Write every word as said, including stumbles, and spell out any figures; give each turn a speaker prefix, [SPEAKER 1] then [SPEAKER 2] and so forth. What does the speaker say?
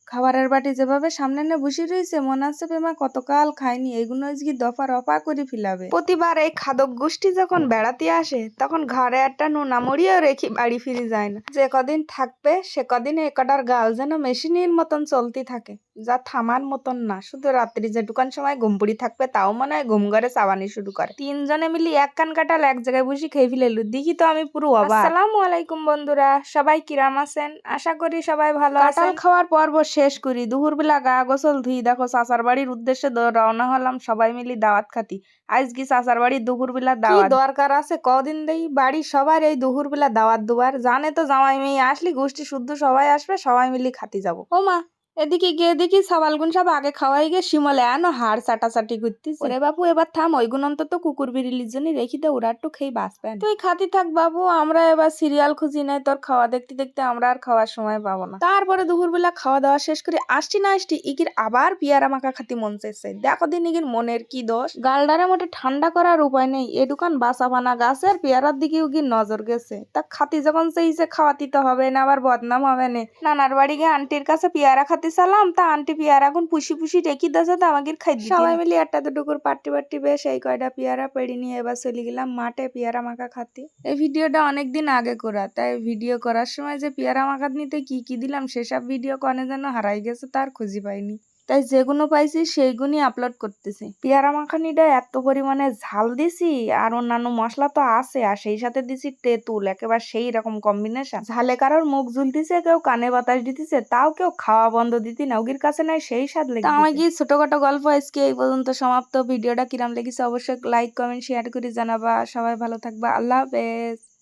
[SPEAKER 1] খাবারের বাটি যেভাবে সামনে নিয়ে বসে রয়েছে, মনে হচ্ছে পেমা কতকাল খায়নি, এগুলো আজকে দফা রফা করে ফিলাবে। প্রতিবার এই খাদক গোষ্ঠী যখন বেড়াতে আসে তখন ঘরে একটা নোনামড়িও রেখে বাড়ি ফিরে যায় না। যে কদিন থাকবে সে কদিন এ কটার গাল যেন মেশিনের মতন চলতে থাকে, যা থামার মতন না। শুধু রাত্রি যেটুকান সময় ঘুম পড়ি থাকবে তাও মনে হয় ঘুম ঘরে চাবানি শুরু করে। তিনজনে মিলি এক কান কাটাল এক জায়গায় বসে খেয়ে ফেলেলু, দেখি তো আমি পুরো অবাক। আসসালামু আলাইকুম বন্ধুরা, সবাই কিরাম আছেন? আশা করি সবাই ভালো আছেন। কাঁঠাল খাওয়ার পর্ব শেষ করি, দুপুরবেলা গা গোসল ধুই দেখো চাচার বাড়ির উদ্দেশ্যে রওনা হলাম সবাই মিলি দাওয়াত খাতি। আজকে চাচার বাড়ির দুপুরবেলা দাওয়াত। দরকার আছে কদিন দেই বাড়ি সবার এই দুপুরবেলা দাওয়াত দুবার, জানে তো জামাই মেয়ে আসলি গোষ্ঠী শুদ্ধ সবাই আসবে, সবাই মিলি খাতি যাবো। ও মা, এদিকে গিয়ে দেখি সাবালগুন সব আগে খাওয়াই গিয়ে শিমলে আনো হাড় চাটাচাটি করতেছে। ওরে বাপু এবার থাম, ওইগুন অন্তত কুকুর বিড়িলির জন্য রেখি দে, ওরা একটু খেয়ে বাঁচবেন। তুই খাতি থাক বাবু, আমরা এবার সিরিয়াল খুঁজি নাই, তোর খাওয়া দেখতে দেখতে আমরা আর খাওয়ার সময় পাবো না। তারপরে দুপুরবেলা খাওয়া দাওয়া শেষ করে আসছি না আসছি ইকির আবার পিয়ারা মাখা খাতি মন চাইছে। দেখো দিন ইকির মনের কি দোষ, গালডারে মোটে ঠান্ডা করার উপায় নেই। এ দোকান বাসা বানা গাছের পেয়ারার দিকে উকির নজর গেছে। তা খাতি যখন চাইছে খাওয়াতি তো হবে না, আবার বদনাম হবে না। নানার বাড়ি গিয়ে আন্টির কাছে পেয়ারা খাতি সালাম, তা আন্টি পেয়ারা এখন পুষি পুষি রেখি দিয়েছে, তো আমাকে খাই দিতে। সবাই মিলে একটা দুটুকুর পাট্টি পাট্টি বেশ এই কয়টা পেয়ারা পেড়ি নিয়ে এবার চলে গেলাম মাঠে পেয়ারা মাখা খাতি। এই ভিডিওটা অনেকদিন আগে করা, তাই ভিডিও করার সময় যে পেয়ারা মাখা নিতে কি কি দিলাম সেসব ভিডিও কনে যেন হারাই গেছে, তার খুঁজি পাইনি। তাই যেগুলো পাইছি সেইগুলি আপলোড করতেছি। পেয়ারা মাখানিটা এত পরিমাণে ঝাল দিছি, আর অন্যান্য মশলা তো আছে, আর সেই সাথে দিছি তেঁতুল, একেবারে সেই রকম কম্বিনেশন। ঝালে কারোর মুখ ঝুলতিছে, কেউ কানে বাতাস দিতেছে, তাও কেউ খাওয়া বন্ধ দিতি না, ওগির কাছে নাই সেই স্বাদ লেগে। আমার কি ছোটখাটো গল্প আজকে এই পর্যন্ত সমাপ্ত। ভিডিওটা কিরাম লেগেছে অবশ্যই লাইক কমেন্ট শেয়ার করে জানাবা। সবাই ভালো থাকবা, আল্লাহ হাফেজ।